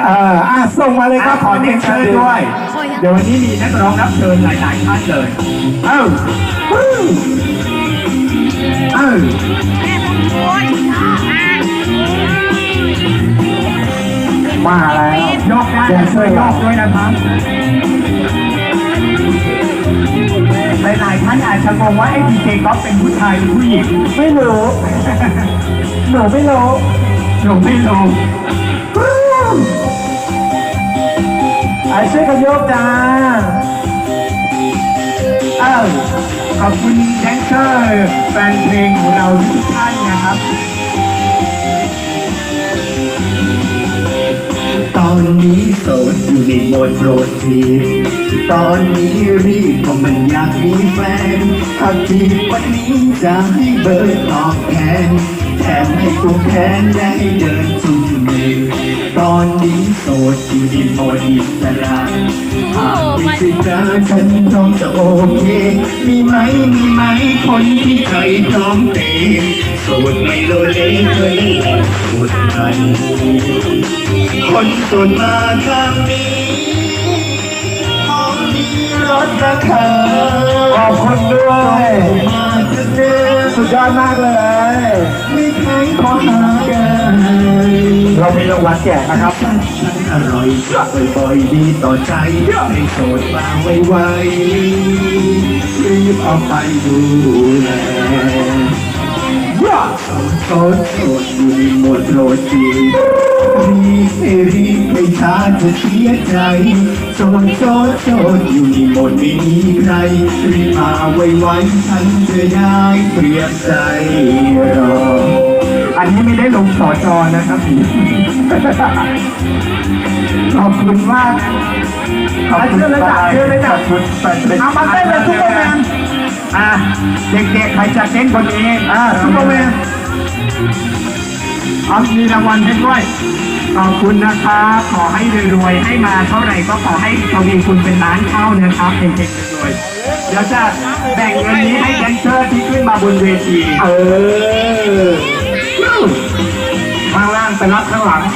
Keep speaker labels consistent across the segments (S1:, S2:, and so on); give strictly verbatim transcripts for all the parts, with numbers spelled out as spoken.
S1: อออ่ะส่งมาเลยครับ
S2: ขอเรียนเชิญด้วย เดี๋ยววันนี้มีนักร้องรับเชิญหลายๆท่านเลย เอ้าเอ้า
S1: มาแล้ว
S2: ยกได้ช่วยยกด้วยนะครับหลายๆท่านอาจจะงงว่าไอ้ดีเจก๊อฟเป็นผู้ชายหรือผู้หญิง
S1: ไม่รู้หนูไม่รู้
S2: หนูไม่รู้
S1: ไอ้ช่วยกันยกจ้า
S2: เอ้าขอบคุณแดนเซอร์แฟนเพลงของเราทุกท่านนะครับ
S3: ตอนนี้โสดอยู่ในโหมดโปรดทีตอนนี้รีบเพราะมันอยากมีแฟนถ้าจีบวันนี้จะให้เบอร์ตอบแทนแถมให้ตัวแทนและให้เดินจุ่มมือตอนนี้โสดอยู่ในโหมดอิสระหากไม่ใช่เธอฉันพร้อมจะโอเคมีไหมมีไหมคนที่ใจพร้อมเตะโสดไม่โลเลเคยโสดไหมคนโสดมาทางนี้ห้องมีรถราคา
S1: ขอบคุณด้วย
S3: มาจะเจอ
S1: สุดยอดมากเลย
S3: ไม่แข็งขอหากัน
S1: เรามีรางวัลแจกนะครับ
S3: ฉันอร่อยบ่อยๆดีต่อใจให้โสดมาไวๆรีบเอาไปดูแลโสดโสดอยู่ในโหมดโรจีรีบให้รีบไม่ช้าจะเสียใจโสดโสดโสดอยู่ในโหมดไม่มีใครรีบมาไวๆฉันจะได้เตรียมใจรอ
S2: อันนี้ไม่ได้ลงสอจอนะครับ ขอบคุณมากขอบคุณเลยจ้ะเชื่อเลยจ้ะคุณเอามาเต้นเลยซุปเปอร์แมนอ่ะเด็กๆใครจะเต้นคนนี้อ่ะซุปเปอร์แมนเอามีรางวัลให้ด้วยขอบคุณนะครับขอให้รวยๆให้มาเท่าไหร่ก็ขอให้ทวีคุณเป็นล้านเท่านะครับเด็กๆรวยๆเดี๋ยวจะแบ่งเงินนี้ให้แดนเซอร์ที่ขึ้นมาบนเวทีเออข้างล่างไปรับข้างหลัง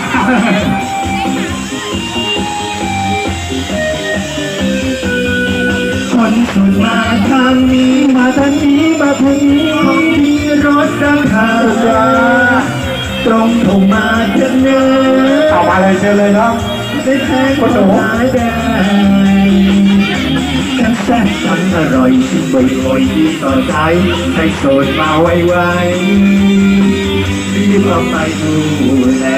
S3: คนสุดมาทางนี้มาทางนี้มาทางนี้ของมีรถราคาตรงเข้ามาจะเนื้อ
S1: เอามาเลยเชิญเลยครับ
S3: ได้แค่คนหายได้ทั้งแซ่บทั้งอร่อยที่บ่อยๆดีต่อใจให้โสดมาไวๆรีบเอาไปดูแล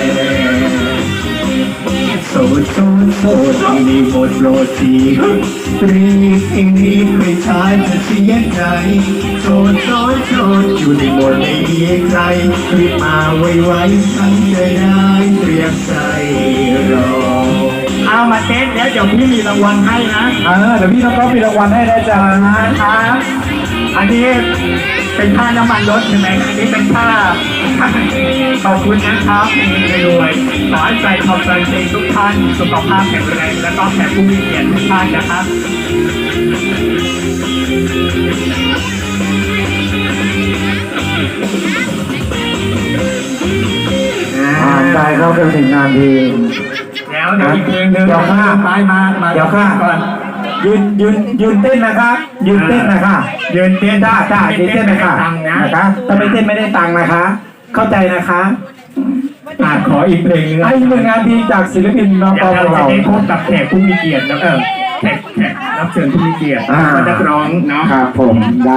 S3: โสดโสดโสดที่นี่หมดโรตีรีบเองรีบไม่ช้าจะเสียใจโสดโสดโสดอยู่ในหมดไม่มีใครรีบมาไวๆฉันจะได้เตรียมใจรอ
S2: เอามาเต้นแล้วเดี๋ยวพี่มีรางวัลให้นะ
S1: เออเดี๋ยวพี่น้องก็มีรางวัลให้นะจ๊ะ
S2: ครับอันนี้เป็นค่าน้ำมันรถใช่ไหมอันนี้เป็นค่า ขอบคุณนะครับรวยๆขอให้ใจขอบใจทุกท่านสุขภาพแข็งแรงและก็แขกผู้มีเกียรติทุกท่านนะครับ
S1: อ่าใจเข้าไปถึงงานดี
S2: แล้วเดี๋ยวอีกเพลงหนึ่ง
S1: เดี๋ยวค่ะ
S2: ไปมามา
S1: เดี๋ยวค่ะ
S2: ก่อน
S1: ยืนยืนยืนเต้นนะคะยืนเต้นนะคะ
S2: ยืนเต้น
S1: จ้าจ้ายืนเต้นนะคะ
S2: ตังค์นะ
S1: นะคะถ้าไม่เต้นไม่ได้ตังค์นะคะ เข้าใจนะคะ
S2: อ่าขออีกเพลงหนึง
S1: ไอ้หนึ่งงานดีจากศิลปินน้อง
S2: เดี๋
S1: ป
S2: ย
S1: อ
S2: ว
S1: ของ
S2: เราจะ
S1: เรา
S2: ได้พบกับแขกผู้มีเกียรติแล้วเออแขกแขกรับเชิญผู้มีเกียรติ
S1: อ่า
S2: นักร้องเนาะ
S1: ครับผม